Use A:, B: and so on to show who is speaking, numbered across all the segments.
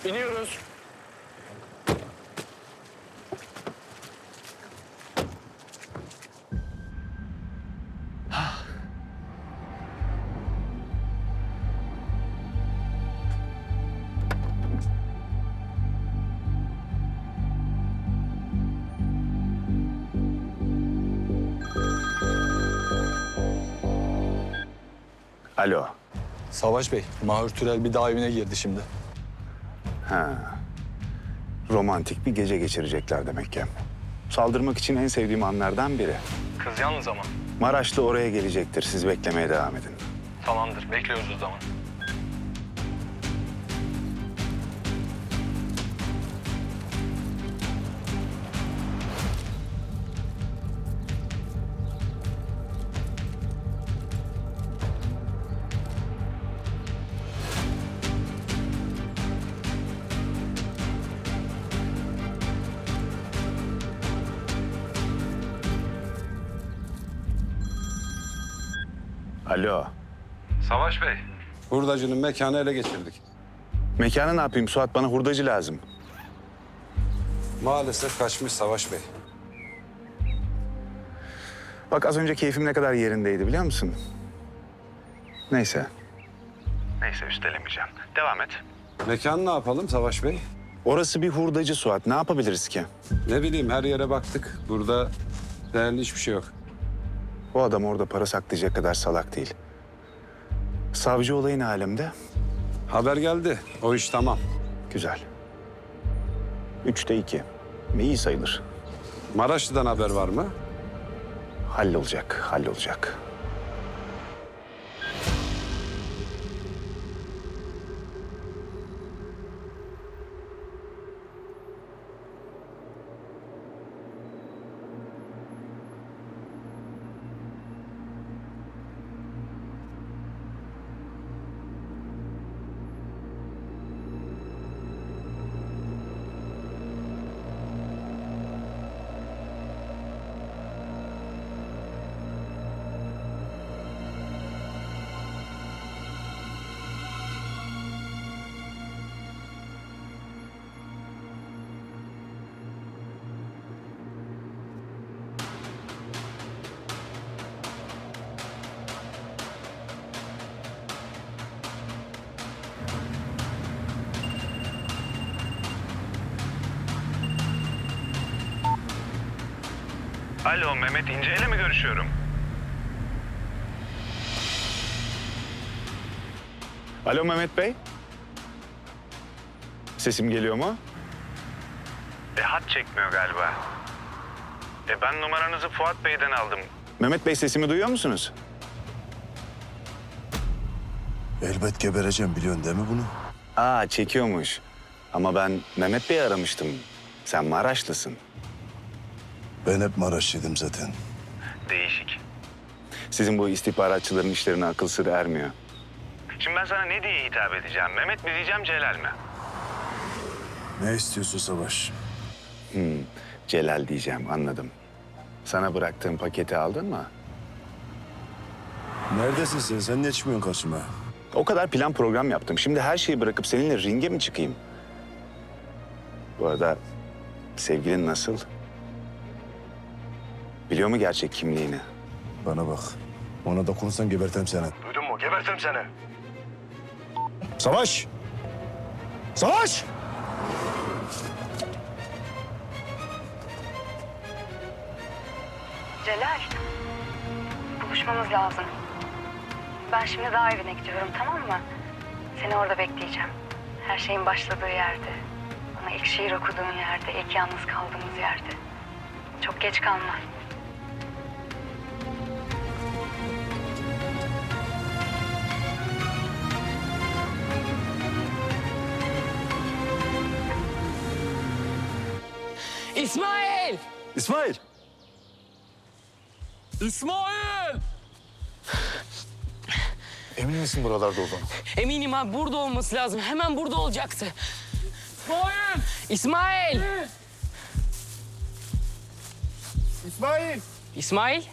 A: İniyoruz.
B: Alo.
C: Savaş Bey, Mahur Türel bir daha evine girdi şimdi.
B: Romantik bir gece geçirecekler demek ki. Saldırmak için en sevdiğim anlardan biri.
A: Kız yalnız ama.
B: Maraşlı oraya gelecektir. Siz beklemeye devam edin.
A: Tamamdır. Bekliyoruz o zaman.
B: Alo.
D: Savaş Bey.
C: Hurdacının mekanı ele geçirdik.
B: Mekanı ne yapayım Suat? Bana hurdacı lazım.
C: Maalesef kaçmış Savaş Bey.
B: Bak az önce keyfim ne kadar yerindeydi biliyor musun? Neyse. Neyse üstelemeyeceğim. Devam et.
C: Mekanı ne yapalım Savaş Bey?
B: Orası bir hurdacı Suat. Ne yapabiliriz ki?
C: Ne bileyim her yere baktık. Burada değerli hiçbir şey yok.
B: O adam orada para saklayacak kadar salak değil. Savcı olayın alemde.
C: Haber geldi. O iş tamam.
B: Güzel. 3'te 2. İyi sayılır.
C: Maraşlı'dan haber var mı?
B: Hallolacak, hallolacak.
D: Alo, Mehmet İnce ile mi görüşüyorum?
B: Alo Mehmet Bey. Sesim geliyor mu?
D: Hat çekmiyor galiba. Ben numaranızı Fuat Bey'den aldım.
B: Mehmet Bey sesimi duyuyor musunuz?
E: Elbet gebereceğim biliyorsun değil mi bunu?
B: Aa çekiyormuş. Ama ben Mehmet Bey'i aramıştım. Sen Maraşlısın.
E: Ben hep Maraşlıydım zaten.
D: Değişik.
B: Sizin bu istihbaratçıların işlerine akıl sır ermiyor.
D: Şimdi ben sana ne diye hitap edeceğim? Mehmet mi diyeceğim, Celal mi?
E: Ne istiyorsun Savaş?
B: Celal diyeceğim anladım. Sana bıraktığım paketi aldın mı?
E: Neredesin sen? Sen ne çıkmıyorsun karşıma?
B: O kadar plan program yaptım. Şimdi her şeyi bırakıp seninle ringe mi çıkayım? Bu arada sevgilin nasıl? Biliyor mu gerçek kimliğini?
E: Bana bak. Ona dokunursan gebertem seni.
D: Duydun mu? Gebertirim seni.
E: Savaş! Savaş!
F: Celal, buluşmamız lazım. Ben şimdi daha evine gidiyorum, tamam mı? Seni orada bekleyeceğim. Her şeyin başladığı yerde. Bana ilk şiir okuduğun yerde, ilk yalnız kaldığımız yerde. Çok geç kalma.
G: İsmail!
E: İsmail!
G: İsmail!
E: Emin misin buralarda olduğunu?
G: Eminim abi burada olması lazım. Hemen burada olacaktı. İsmail! İsmail!
E: İsmail!
G: İsmail?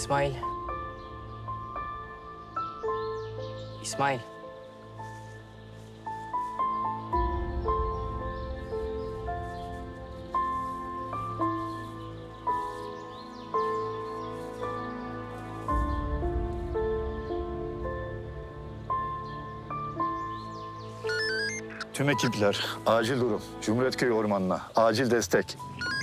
G: İsmail. İsmail.
E: Tüm ekipler, acil durum. Cumhuriyetköy Ormanı'na, acil destek.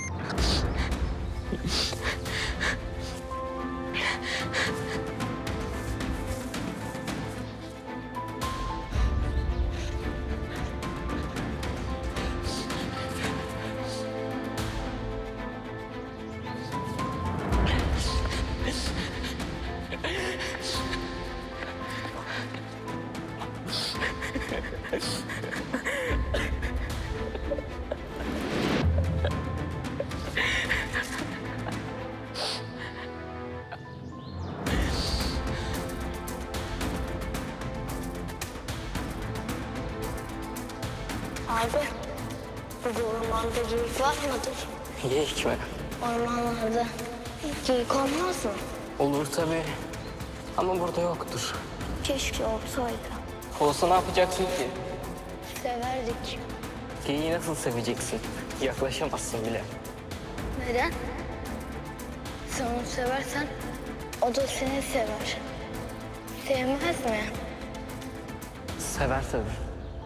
H: Abi, bu ormanda geyik var mıdır?
G: Geyik mi?
H: Ormanlarda geyik olmaz mı?
G: Olur tabii. Ama burada yoktur.
H: Keşke olsaydı.
G: Olsa ne yapacaksın ki?
H: Severdik.
G: Geyiği nasıl seveceksin? Yaklaşamazsın bile.
H: Neden? Sen onu seversen o da seni sever. Sevmez mi?
G: Sever tabii.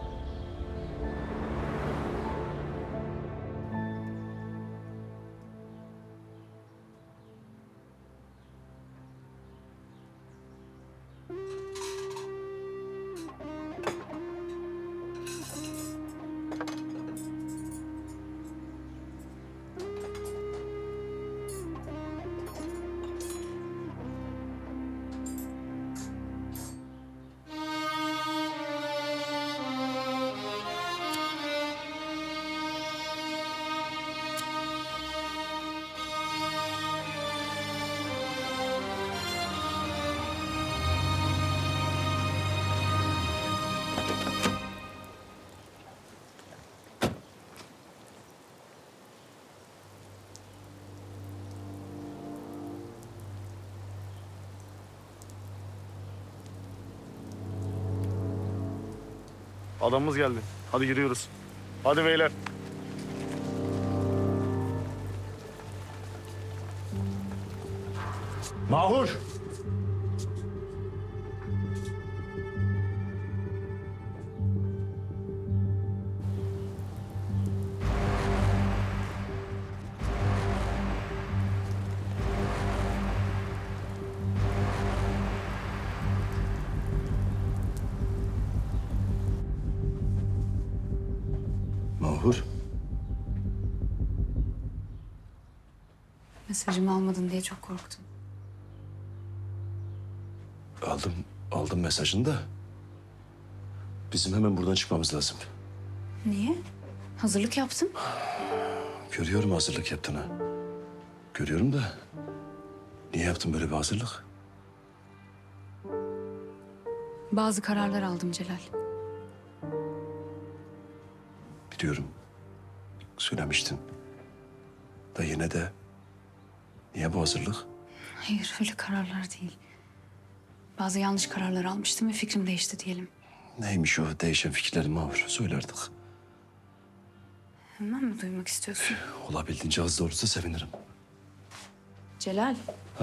E: Adamımız geldi. Hadi yürüyoruz. Hadi beyler. Mahur.
I: Mahur.
F: Mesajımı almadın diye çok korktum.
I: Aldım mesajını da. Bizim hemen buradan çıkmamız lazım.
F: Niye? Hazırlık yaptım.
I: Görüyorum hazırlık yaptığını. Görüyorum da. Niye yaptın böyle bir hazırlık?
F: Bazı kararlar aldım Celal.
I: Biliyorum. Söylemiştin. Da yine de. Niye bu hazırlık?
F: Hayır, öyle kararlar değil. Bazı yanlış kararlar almıştım ve fikrim değişti diyelim.
I: Neymiş o değişen fikirlerin Mahur? Söyle artık.
F: Hemen mi duymak istiyorsun?
I: Olabildiğince az da olursa sevinirim.
F: Celal.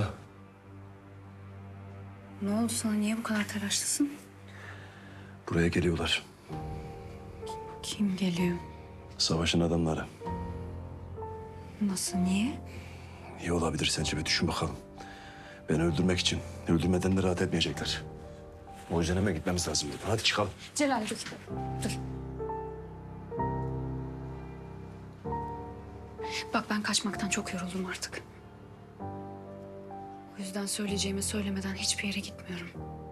F: Ne oldu sana? Niye bu kadar telaşlısın?
I: Buraya geliyorlar.
F: Kim geliyor?
I: Savaşın adamları.
F: Nasıl, niye?
I: İyi olabilir sence bir düşün bakalım. Beni öldürmek için. Öldürmeden de rahat etmeyecekler. O yüzden hemen gitmemiz lazım buradan. Hadi çıkalım.
F: Celal dur. Dur. Bak ben kaçmaktan çok yoruldum artık. O yüzden söyleyeceğimi söylemeden hiçbir yere gitmiyorum.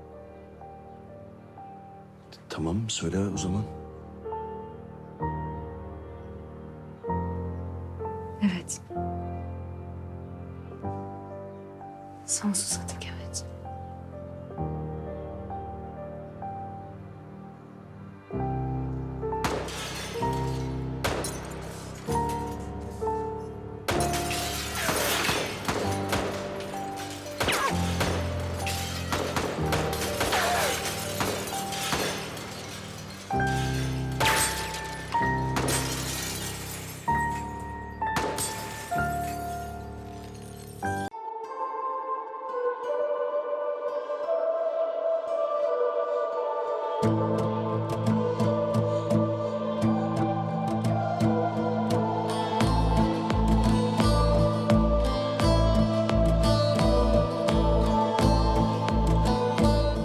I: Tamam söyle o zaman.
F: Evet. Sonsuza dek evet.